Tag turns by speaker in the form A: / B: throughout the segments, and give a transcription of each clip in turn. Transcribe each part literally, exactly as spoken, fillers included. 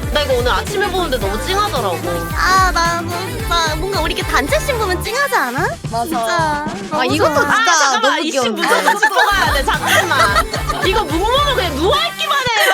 A: 나 이거 오늘 아침에 보는데 너무 찡하더라고.
B: 아 나도 진짜 뭔가 우리 이렇게 단체씬 보면 찡하지 않아?
C: 맞아.
B: 진짜.
C: 아 이것도
B: 좋아.
C: 진짜
A: 아 잠깐만
C: 너무
A: 이씨
C: 귀여운데.
A: 무조건 짚고 가야 돼. 잠깐만. 이거 묵묵은 그냥 누워있기만 해요.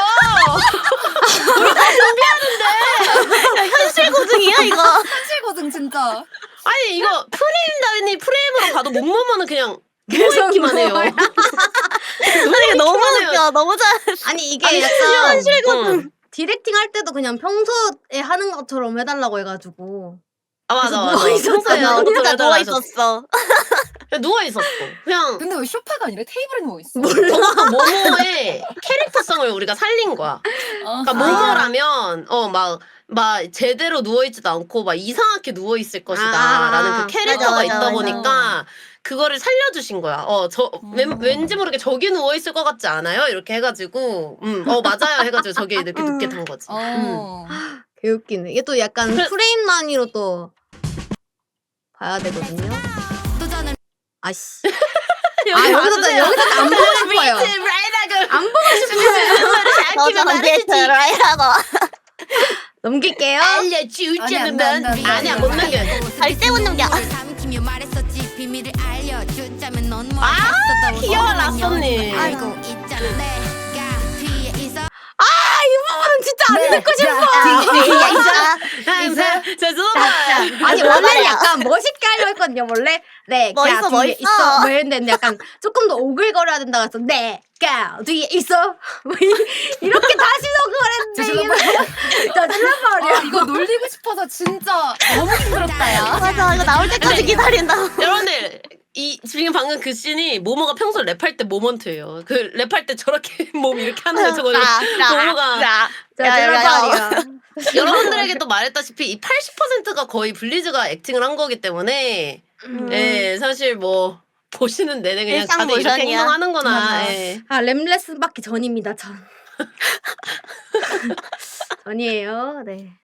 B: 야, 현실 고증이야 이거.
C: 현실 고증 진짜.
A: 아니 이거 프레임 단위 프레임으로 가도 묵묵은 그냥
C: 계속
A: 누워있기만 해요.
C: 누워요.
B: 아니 이게 너무 웃겨. 너무 잘했어.
C: 아니 이게
A: 아니,
C: 약간
B: 현실 고증.
A: 응.
C: 디렉팅 할 때도 그냥 평소에 하는 것처럼 해달라고 해가지고.
A: 아 맞아 맞아.
C: 누워 있었어요.
A: 평소에
B: 진짜
A: 해달라
B: 누워
A: 하셨어.
B: 있었어.
A: 그냥 누워 있었어. 그냥
D: 근데 왜 소파가 아니라 테이블에 누워 있어?
A: 저거 모모의 캐릭터성을 우리가 살린 거야.
D: 아,
A: 그러니까 모모라면 어 막 막 제대로 누워 있지도 않고 막 이상하게 누워 있을 것이다라는
C: 아,
A: 그 캐릭터가
B: 맞아,
A: 있다
B: 맞아,
A: 보니까 그거를 살려주신 거야. 어 저
D: 음.
A: 왠지 모르게 저기 누워 있을 것 같지 않아요? 이렇게 해가지고 음어 맞아요 해가지고 저기 이렇게
B: 음.
A: 눕게 된 거지.
D: 어.
C: 개웃기네. 이게 또 약간
A: 그래-
C: 프레임 단위로 또 봐야 되거든요. 아씨. 아 여기서 또 여기서 안 보고 싶어요. 안 보고 싶어요.
B: 너도 언제 들어야라고.
C: 넘길게요.
D: 아니,
A: 알려주자면
D: 안 돼, 안 돼, 안 돼.
A: 아니야 못 남겨.
B: 절대 못 넘겨.
A: 아 귀여워 라쏘님.
B: 아이고.
C: 이 부분은 진짜 안 듣고 싶어.
B: 야 이제
A: 죄송합니다.
C: 아니 원래는 약간 멋있게 하려고 했거든요. 원래 내가
B: 멋있어,
C: 뒤에
B: 멋있어.
C: 있어. 뭐 했는데 약간 조금 더 오글거려야 된다 그래서 내가 뒤에 있어. 뭐 이- 이렇게 다시 녹음을 했는데 저 질러버려.
D: 아, 이거 놀리고 싶어서 진짜 너무 힘들었다, 야.
B: 맞아 이거 나올 때까지 기다린다.
A: 여러분들 이 지금 방금 그 씬이 모모가 평소 랩할 때 모먼트예요. 그 랩할 때 저렇게 몸 이렇게 하는 거 저거는 모모가
B: 자,
C: 저
B: 야, 야, 야.
C: 질러버려.
A: 여러분들에게 또 말했다시피 이 팔십 퍼센트가 거의 블리즈가 액팅을 한 거기 때문에
B: 음.
A: 예 사실 뭐 보시는 내내 그냥
B: 일상
A: 다들 이렇게
B: 모션이야.
A: 행동하는구나.
D: 맞아.
A: 예.
C: 아 램레슨 받기 전입니다. 전. 전이에요. 네.